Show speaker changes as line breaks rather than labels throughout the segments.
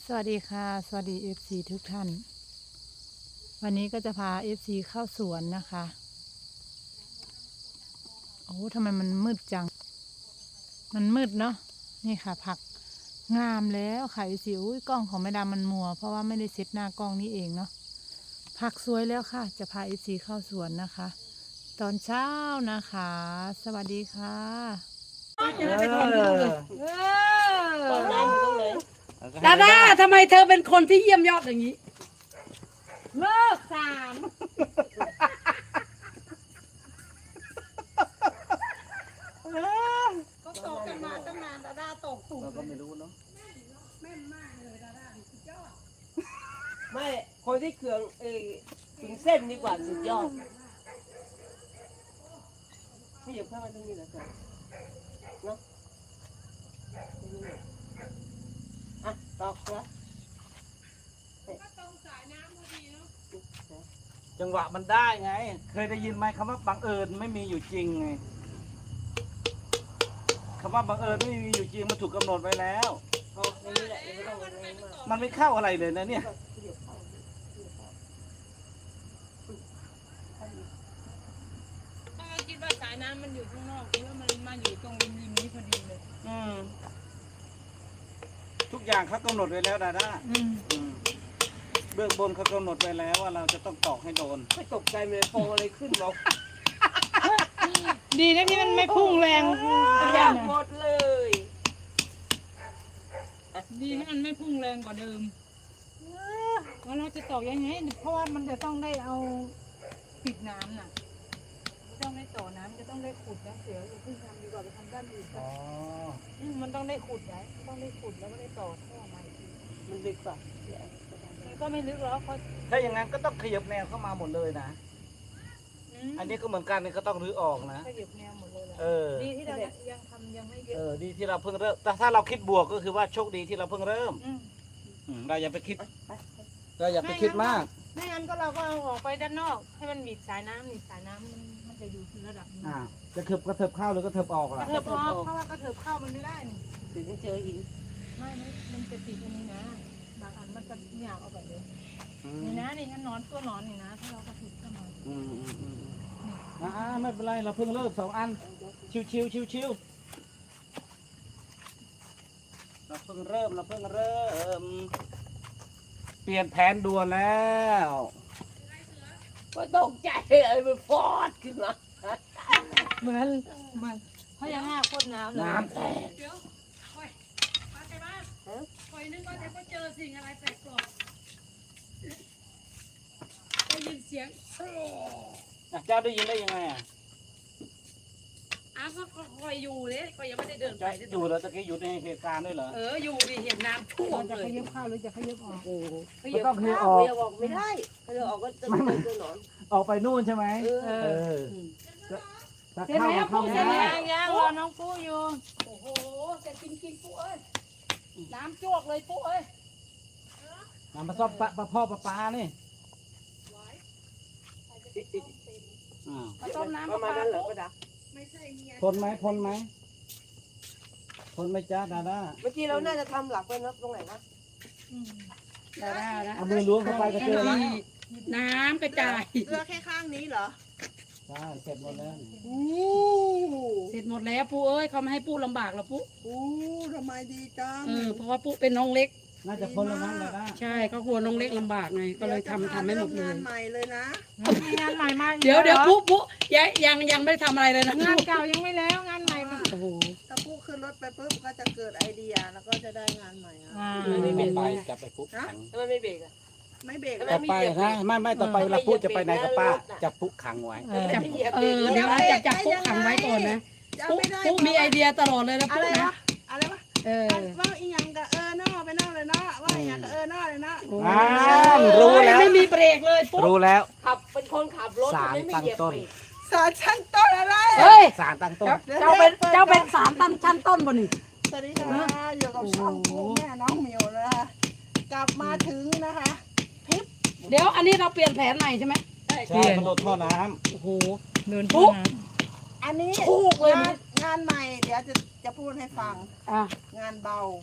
สวัสดีค่ะสวัสดี FC ทุกท่านวันนี้ก็จะพา FC เข้าสวนนะคะโอ้ทำไมมันมืดจังมันมืดเนาะนี่ค่ะผักงามแล้วค่ะ FC อุ้ยกล้องของแม่ดามันมัวเพราะว่าไม่ได้เซ็ตหน้ากล้องนี่เองเนาะผักสวยแล้วค่ะจะพา FC เข้าสวนนะคะ ตอนเช้านะคะสวัสดีค่ะ
ดาด้าทำไมเธอเป็นคนที่เยี่ยมยอดอย่างนี้
เลิกสาม ก็ตกกันมาตั้งนานดาด้าตกตุ่ม
เราก็ไม่รู้เนาะ
แม่นมากเลยดาด้าสุดยอด
ไม่คนที่เคืองถึงเส้นดีกว่าสุดยอดขยับเข้ามาตรงนี้นะจ๊ะเนาะอ่ะตอกแล้ว
จังหวะมันได้ไง เคยได้ยินไหมคำว่าบังเอิญไม่มีอยู่จริงไงคำว่าบังเอิญไม่มีอยู่จริงมันถูกกำหนดไว้แล้ว
เอาอย่างนี้แหละยังไม่ต้องอะไรมาก
มันไม่เข้าอะไรเลยนะเนี่ย
ขยับเข้า
ถ้าคิดว่าสายน้ำมันอยู่ข้างนอกคิดว่ามันมาอยู่ตรงริมนี้พอดีเลย
ทุกอย่างเขากำหนดไว้แล้วดาด้าเบื้องบนเขากำหนดไว้แล้วว่าเราจะต้องตอกให้โดน
ไม่ตกใจเลยโปอะไรขึ้นหรอก
ดีนะที่มันไม่พุ่งแรง
อยากหมดเลย
ดีนะมันไม่พุ่งแรงกว่าเดิมแล้วเราจะตอกยังไงเพราะว่ามันจะต้องได้เอาปิดน้ำน่ะต้องได้ต่อน้ำจะต้องได้ขุดนะเสียอย่าเพิ่งทำดีกว่าไปทำด้านอื่นก่อนมันต้องได้ขุดไว้ต้องได้ขุดแล้วก็ได้ต่อท่อใหม่ที
มันลึกกว่า
มันก็ไม่ลึกหรอกเพราะ
ถ้าอย่างนั้นก็ต้องขยับแนวเข้ามาหมดเลยนะ อันนี้ก็เหมือนกันนี่ก็ต้องรื้อออกนะ
ก็หยิบแนวหมดเลยแหละ
เออ
ดีที่เรายังทำยังไม่เย
เอ
อะ
อ ดีที่เราเพิ่งเริ่มแต่ถ้าเราคิดบวกก็คือว่าโชคดีที่เราเพิ่งเริ่ม
อืม
เราอย่าไปคิด เราอย่าไปคิดมาก
ไม่งั้นก็เราก็เอาออกไปด้านนอก ให้มันหนีบสายน้ำมันจะอยู่ที่ระดับนี้
จะเถิบก็เถิบเข้าหรือก็เถิบออก
ก
ล่ะ
ระเถิบออกเพราะว่ากระเถิบเข้ามันไม่ได้นี่
ถึงจะเจอหิน
ไม่มันจะติดอันนี้นะบางอันมันจะหยาบเอาแบบนี้นี่นะนี่งั้นนอนตัวหนอนนี่นะถ้าเรากระเถิบเข้ามา
ไม่เป็นไรเราเพิ่งเริ่ม2 อันชิวเราเพิ่งเริ่มเปลี่ยนแผนด่วนแล้ว
ก็ตกใจเลยมันฟอดขึ้นมา
เหมือนพญานาคพ่นน้ำเลย
น้ำแตก
เดี๋ยวคอยมาไปบ้านคอยนึกว่าจะเจอสิ่งอะไรแปลกปลอมได้ยินเสียง
เจ้าได้ยินได้ยังไงอ่ะ
ก็คอยอยู่เลยคอยยังไม่ได้เดินไป
เจ้าอยู่แล้วตะกี้อยู่ในเหตุการณ์ด้วยเหรอ
อยู่ดิเห็นน้ำท่วมเลย
จะขยับเข้าหรือจะขยับออก
โอ้โห
ก็ต้องคือออก
เดี๋ยวออกไม่ได้ถ้าเราออกก็จะเจอตัวหนอน
ออกไปนู่นใช่ไหมจะเข้าเข้าไม่ได้
ยังรอน้องปูอยู่โอ้โหแต่จริงๆปูเอ้ยน้ำจวกเลยปูเอ้ย
มาซ่อมปลาพ่อปลานี่
มาต้มน้ำ
ประมาณนั้นเหรอป้าดา
ทนไหมจ้าดาด้า
เมื่อกี้เราน่าจะทำหลักไว้นะตรงไหนนะ
ดาด้านะ
เอามือล้วงเข้าไปก็เจอแล้ว
น้ำกระจาย
เสื้อแค่ข้างนี้เหรอ
ใช่เสร็จหมดแล้ว
เสร็จหมดแล้วปู่เอ้ยเขาไม่ให้ปู่ลำบากหรอกปู่
ทำไมดีจัง
เพราะว่าปู่เป็นน้องเล็ก
น่าจะพ้นแล้วมั้งดาด้า
ใช่เขากลัวน้องเล็กลำบากไงก็เลยทำให้หมดเลย
ใหม่เลยนะ
มีงานใหม่มา
เดี๋ยวปู่ยังไม่ได้ทำอะไรเลยนะ
งานเก่ายังไม่แล้วงานใหม่มา
โอ้โห
ถ้าปุ๊ขึ้นรถไปปุ๊บก็จะเกิดไอเดียแล้วก็จะได้งานใหม่อ่ะ
ไปจับไปปุ๊บขัง
ทำไมไม่เบรกอ่ะไม่เบรก
ต่อไปนะไม่ต่อไปเวลาปุ๊จะไปไหนกับป้าจะปุ๊ขังไว้
จับเดี๋ยวนะจับปู่ขังไว้ก่อนนะปู่มีไอเดียตลอดเลยนะ
อะ
ปู่
ไร
นะ
วะอะไรวะ ว่าอีหยังก็นอไปนอกเลยเนาะว่าอีหยังก็นอเลยเนาะ
รู้แล้ว
ไม่มีเบรกเลยปู่
รู้แล้ว
ขับเป็นคนขับรถ
สาร
ไม่
ตั้ง
เหยียบ
ต้น
เบรกสารชั้นต้นอะไร
เฮ้ย
สารตั้งต้น
เจ้าเป็นสามชั้นต้นบนนี่
สวัสดีค่ะอยู่กับช่องกูแม่น้องเหมียวนะคะกลับมาถึงนะคะ
เดี๋ยวอันนี้เราเปลี่ยนแผนใหม่ใช่ไหม
ใช่มันโดนท่อน้
โอ้โห
เดิน
ปุ๊
ปุ๊
บ
อันนี้
ถูกเลย
งานใหม่เดี๋ยวจะพูดให้ฟัง
อ่ะ
งานเบา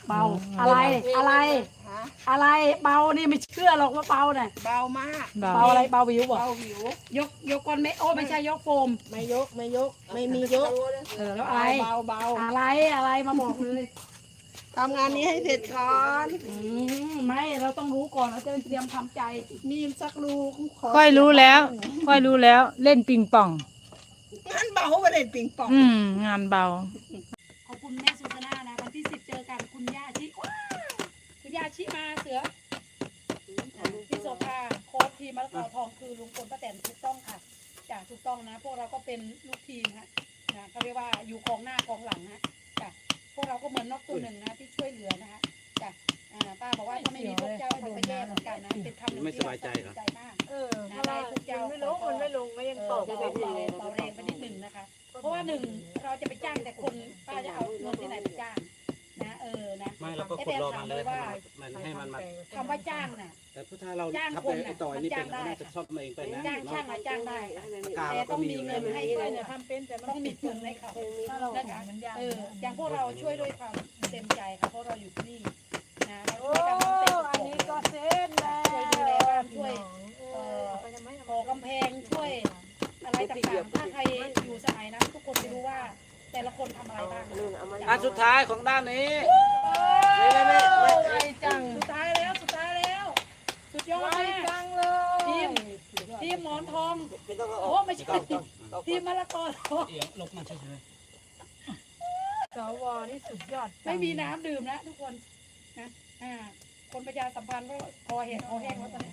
เบาอะไรอะไร
ฮะ
อะไรเบานี่ไม่เชื่อหรอกว่าเบาน่ะ
เบามาก
เบา
เบาอะไรเบาวิวบ่
เบาหิวย
กก้อนไม่โอ้ไม่ใช่ยกโฟม
ไม่ยกไม่ยก ไม่มียก
แล้วอะไร
เบาเบา
อะไรมาบอกเลย
ทำงานนี้ให้เสร็จก่อน
ไม่เราต้องรู้ก่อนเราจะเตรียมทำใจ
มีสักรูข
ค่อยรู้แล้ว ค่อยรู้แล้วเล่นปิงปอง
งานเบาไปเล่นปิงปอง
งานเบา
ขอบคุณแม่สุชนานะวันที่10เจอกันคุณย่าชิว้าวคุณย่าชิมาเสือพี่โสภาโค้ชทีมมะละกอทองคือลุงพลป้าแตนถูกต้องค่ะจ้ะถูกต้องนะ พวกเราก็เป็นลูกทีมฮะนะเขาเรียกว่าอยู่กองหน้ากองหลังนะจ้ะพวกเราก็เหมือนนกตัวหนึ่งนะที่ช่วยเหลือนะคะจ้ะป้าบอกว่าถ้าไม่มีพวกเจ้าเราก็แย่เหมือนกันนะเป็นคำหนึ่งที่เราใจมาก
เพราะว่ามันไม่ลงก็ยังตก
เบาแรงไปนิดหนึ่งนะคะ เพราะว่าหนึ่งเราจะไปจ้างแต่คนป้าจะเอาเงินที่ไหนไปจ้างนะนะ
ไม่เราก็ขุดรอมันเลยมันให้มันมา
คำว่าจ้างน่ะ
แต่ถ้าเราทับไปไอ้ต่อยนี่เป็นน่าจะชอบมาเองไปนะ
จ้างช่างอะจ้างได้แต่ต้องมีเงินให้ด้วยนะทำเป็นแต่ต้องมีทุนให้เขานะคะอย่างพวกเราช่วยด้วยความเต็มใจค่ะเพราะเราอยู่ที่นี่นะเราช่วยกันทั้งเต็ม
อันนี้ก็เซ็ตแล้ว
ช่วยดูแลบ้านช่วยก่อกำแพงช่วยอะไรต่างๆถ้าใครอยู่สมัยนั้นทุกคนจะรู้ว่าแต่ละคนทำอะไรบ้าง
อันสุดท้ายของด้านนี้
ไวจัง
สุดท้ายแล้วสุดยอด
ไว
มาก
จังเลย
ทีมหมอนทองโอ้ไม่ใช่ทีมมะละกอทอง
ลบมันใช่ไหม
สวนี่สุดยอด
ไม่มีน้ำดื่มนะทุกคนนะคนประชาสัมพันธ์ก็คอแห้งแล้วตอนนี้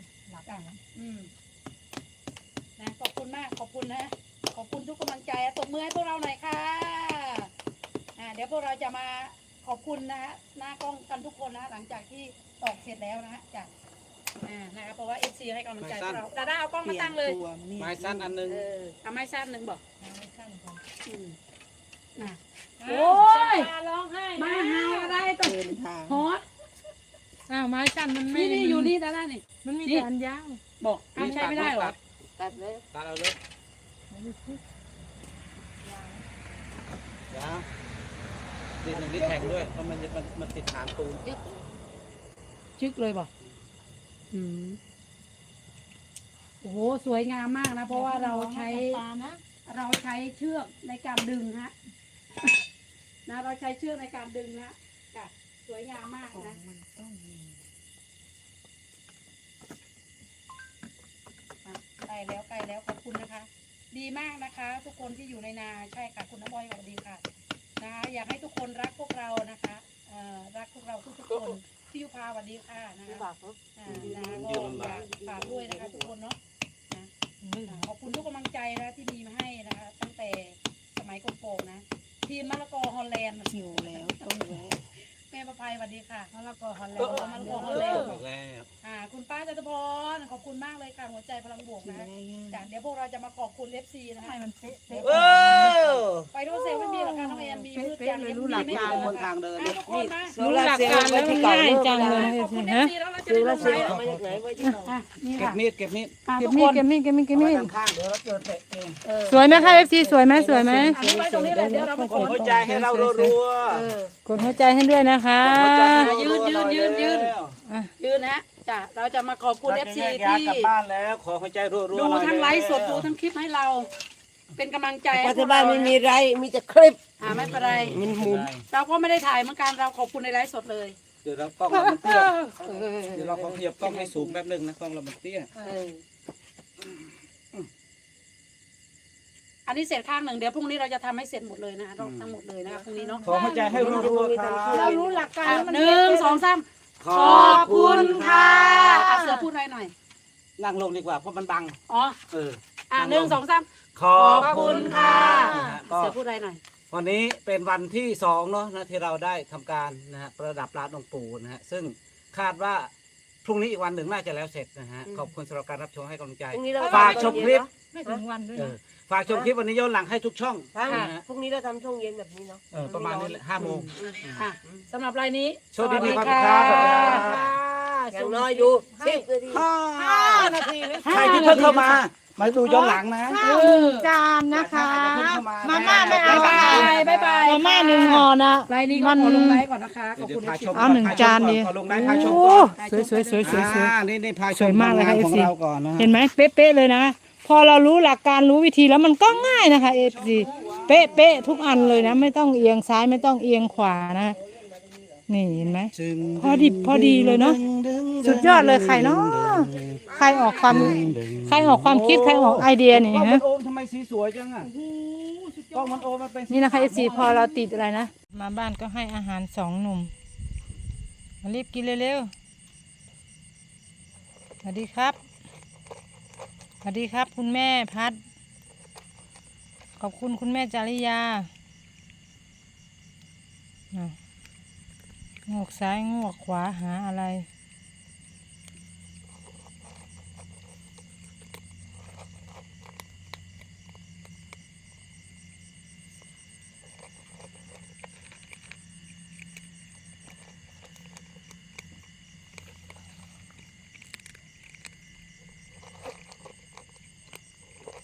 นะขอบคุณมากขอบคุณนะขอบคุณทุกกำลังใจตบมือให้พวกเราหน่อยค่ะเดี๋ยวพวกเราจะมาขอบคุณนะฮะหน้ากล้องกันทุกคนนะหลังจากที่ตอกเสร็จแล้วนะฮะจากนะครับเพราะว่า FC ให้กำลังใจพวกเราดาด้าเอากล้องมาตั้งเลย
ไม้สั้นอันนึง
เอาไม้สั้นหนึ่งบอกโอ้
โอ้
ย
ยร้องไห้
มาหาอะไรตัว
เดินทาง
ฮอต
อ้าวไม้สั้นมันไม่
นี่อยู่นี่ดาด้านี่
มันมีแต่อันยาว
บอกไม่ใช่ไม่ได้หรอ
ตัดเลย
ตัดเอาเลยดินหนึ่งนี่แข็งด้วยเพราะมันติดฐานปูน
ชึกเลยบอกโอ้โหสวยงามมากนะ เพราะว่าเราใช้เชือกในการดึงฮะนะเราใช้เชือกในการดึงนะจ้ะสวยงามมากนะใกล้แล้วขอบคุณนะคะ ดีมากนะคะ ทุกคนที่อยู่ในนาใช่ค่ะคุณน้ำบอยสวัสดีค่ะนะคะอยากให้ทุกคนรักพวกเรานะคะรักพวกเราทุกคนพี่ยุพาสวัสดีค่ะนะคะนะก็อยากฝากด้วยนะคะทุกคนเนาะขอบคุณทุกกำลังใจนะที่มีมาให้นะคะตั้งแต่สมัยโกงนะทีมมะละกอฮอลแลนด์
หิวแล้วต้องแวะ
แม่ประภัยสวัสดีค่ะมะละกอฮอลแลนด์มะละกอฮอลแลนด์
บอกแล้ว
คุณป้าจตุพรขอบคุณมากเลยค่ะหัวใจพลังบวกนะจากเดี๋ยวพวกเราจะมาขอบคุณFCนะคะให้มันเป๊ะไปโรเซลไม่มีหรอกค่ะน้องแอนมีมืดจังเลยรู้หลักการ
บนทางเดิน
ทุกคนนะ
รู้หลักการแล้วมันง่ายจังเลย
ขอบคุณ
ฮะ
FC แล้วเราจะได้ลงไลฟ์นี่
เก็บ
ค่ะ
มีดเก็บมีด
เก็บ
ทุก
มี
ค
ด
น
เก็บมีดเก็บมีดเก็บมีด
ข้างๆเดี๋ยวเราเจอเตะเอง
สวยไหมคะ FC สวยไหมสวยไหม
อันนี้ไว้ตรงนี้แหละเดี๋ยวเรามาข
ก
อ
ดหัวใจให้เรารัว
กดหัวใจให้ด้วยนะคะ
ยืนนะจ้ะเราจะมาขอบคุณ FC
ที่
ที่
กลับบ้านแล้วขอหัวใจรัวๆ
ดูทั้งไลฟ์สดดูทั้งคลิปให้เรา เป็นกำลังใจ
ปัจจุบันไม่มีไรมีแต่คลิป
ไม่เป็นไร
มันหมุน
เราก็ไม่ได้ถ่ายเหมือนกันเราขอบคุณในไลฟ์สดเลย
เดี๋ยวเรากล้องเรามันเตี้ยเดี๋ยวเราขอขยับกล้องให้สูงแป๊บนึงนะกล้องเรามันเตี้ย
อันนี้เสร็จข้างหนึ่งเดี๋ยวพรุ่งนี้เราจะทำให้เสร็จหมดเลยนะทั้งหมดเลยนะคะพรุ่งนี้เนาะ
ขอหัวใจให้รัวๆครับ
เรารู้หลักการแล้วมัน
หนึ่งสองสาม
ขอบคุณค่ะ
เสือพูดหน่อย
นั่งลงดีกว่าเพราะมันบัง
อ๋อ หนึ่งสองสาม
ขอบคุณค่ะก็
เสือพูดหน่อย
วันนี้เป็นวันที่2เนาะนะที่เราได้ทำการนะฮะประดับลานองค์ปู่นะฮะซึ่งคาดว่าพรุ่งนี้อีกวันหนึ่งน่าจะแล้วเสร็จนะฮะขอบคุณสำหรับการรับชมให้กำลังใจ
พรุ่งนี้เรา
ฝากชมคลิป
ไม่ถึงวันด้วยนะ
ฝากชมคลิปวันนี้ย้อนหลังให้ทุกช่องนะฮะ
พรุ่งนี้เราทำช่วงเย็นแบบนี้เนาะ
ประมาณนี้แหละ5 โมง
สำหรับรายนี้
โชคดีมีความสุขครับ
อย่างน้อยดู10 นาที
ใครที่เพิ่งเข้ามามาดูย้อนหลังนะ
ข้าวหนึ่งจานนะคะ มาม่าไม่เอา
บ๊ายบายบ๊ายบาย
มาม่าหนึ่งห่อนะ
ไลน์นี้ก็ขอลงไลน์ก่อนนะคะขอบคุณ
พาชม
เอาหนึ่งจานดิ
ขอลงได้พาชม
โอ้
ก่อน
สวยสวยสวยสวยสวย
นี่พาช
สวยมากเลยค่ะ
ของ
FC
เราก่อนนะ
เห็นไหมเป๊ะๆเลยนะ พอเรารู้หลักการรู้วิธีแล้วมันก็ง่ายนะคะ FC เป๊ะๆทุกอันเลยนะ ไม่ต้องเอียงซ้ายไม่ต้องเอียงขวานะ นี่เห็นไหม พอดิบพอดีเลยเนาะสุดยอดเลยใครเนาะใครออกความคิดใครออกไอเดียนี่
กล้องมั
ฮะ
นโอมทำไมสีสวยจังอ่ะกล้องมันโอมมันเป็นสี
นี่นะคะ FC พอเราติดอะไรนะ มาบ้านก็ให้อาหารสองหนุ่มมารีบกินเร็วๆสวัสดีครับสวัสดีครับคุณแม่พัดขอบคุณคุณแม่จาริยาอ่ะงวกซ้ายงวกขวาหาอะไร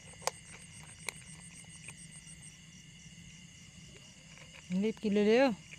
รีบกินเร็วๆ